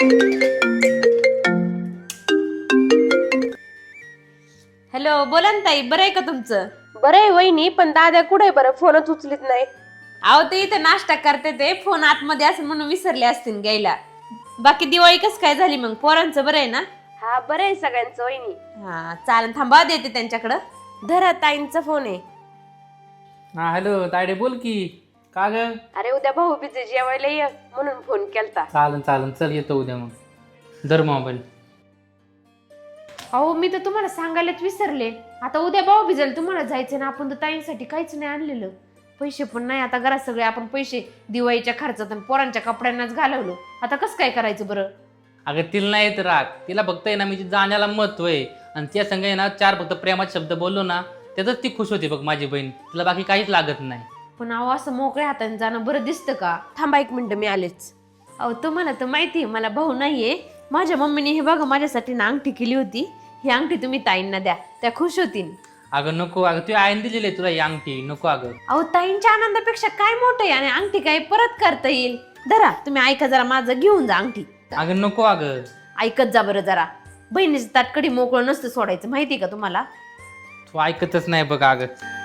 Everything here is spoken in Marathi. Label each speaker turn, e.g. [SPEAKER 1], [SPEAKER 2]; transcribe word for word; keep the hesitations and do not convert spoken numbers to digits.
[SPEAKER 1] हॅलो, बोला ना ताई, बरं आहे का तुमचं?
[SPEAKER 2] बरं आहे वहिनी, पण दादा कुठे बरं? फोनच उचलीत नाही.
[SPEAKER 1] अहो ते इथे नाश्ता करते ते, फोन आतमध्ये असं म्हणून विसरले असतील घ्यायला. बाकी दिवाळी कस काय झाली मग? पोरांचं बरं आहे ना?
[SPEAKER 2] हा बरं आहे सगळ्यांचं वहिनी.
[SPEAKER 1] हा चालेल, थांबा देते त्यांच्याकडं.
[SPEAKER 2] धरा, ताईंचा फोन आहे.
[SPEAKER 3] हा हॅलो तायडे, बोल की. का ग?
[SPEAKER 2] अरे उद्या भाऊ बीजे जेवायला ये म्हणून फोन केलता.
[SPEAKER 3] चालन चालन, चल येतो उद्या मग. धर मोबाईल.
[SPEAKER 1] अहो मी तर तुम्हाला सांगायलाच विसरले. आता उद्या भाऊ भिजल, तुम्हाला जायचं ना. आपण तर ताईंसाठी काहीच नाही आणलेलं. पैसे पण नाही आता घरात. सगळे आपण पैसे दिवाळीच्या खर्चात आणि पोरांच्या कपड्यांनाच घालवलो. आता कसं काय करायचं बरं?
[SPEAKER 3] अगं तिला नाही येत राग. तिला फक्त आहे ना म्हणजे जाण्याला महत्व आहे. आणि त्या संग आहे ना चार फक्त प्रेमाचे शब्द बोललो ना, त्यातच ती खुश होती बघ माझी बहीण. तिला बाकी काहीच लागत नाही.
[SPEAKER 1] पण अहो असं मोकळ्या हाताने जाणं बरं दिसतं का?
[SPEAKER 2] थांबा एक मिनिट, मी आलेच.
[SPEAKER 1] अहो तुम्हाला तर माहिती आहे मला भाऊ नाहीये. माझ्या मम्मीने हे बघा माझ्यासाठी ना अंगठी केली होती. ही अंगठी तुम्ही ताईंना द्या, त्या खुश होतील.
[SPEAKER 3] अगं नको, अगं तू आईन दिलेली आहे तुला ही अंगठी. नको अगं.
[SPEAKER 1] अहो ताईंच्या आनंदापेक्षा काय मोठं आहे? आणि अंगठी काय परत करता येईल. धरा, तुम्ही ऐका जरा, माझं घेऊन जा अंगठी.
[SPEAKER 3] अगं नको अगं.
[SPEAKER 1] ऐकत जा बरं जरा. बहिणीचं ताटकडी मोकळं नसतं सोडायचं, माहिती का तुम्हाला?
[SPEAKER 3] तू ऐकतच नाही बघ अगं.